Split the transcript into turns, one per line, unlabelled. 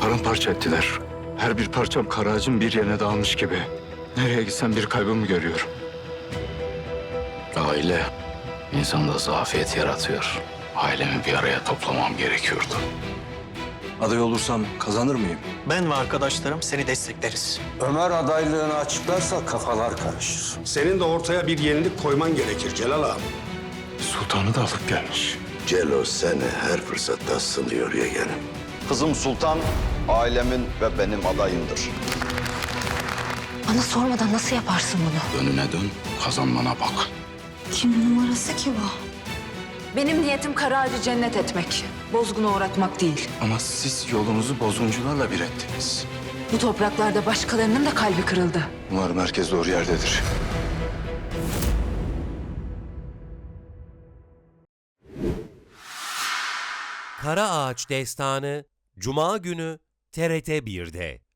Paramparça ettiler. Her bir parçam kara ağacın bir yerine dağılmış gibi. Nereye gitsem bir kaybımı görüyorum.
Aile insanda zafiyet yaratıyor. Ailemi bir araya toplamam gerekiyordu.
Aday olursam kazanır mıyım?
Ben ve arkadaşlarım seni destekleriz.
Ömer adaylığını açıklarsa kafalar karışır.
Senin de ortaya bir yenilik koyman gerekir Celal ağam.
Sultanı da alıp gelmiş.
Celo seni her fırsatta sınıyor yeğenim.
Kızım Sultan ailemin ve benim adayımdır.
Bana sormadan nasıl yaparsın bunu?
Önüne dön, kazanmana bak.
Kimin numarası ki bu? Benim niyetim kara ağacı cennet etmek. Bozguna uğratmak değil.
Ama siz yolunuzu bozguncularla bir ettiniz.
Bu topraklarda başkalarının da kalbi kırıldı.
Umarım herkes doğru yerdedir.
Kara Ağaç Destanı Cuma günü TRT 1'de.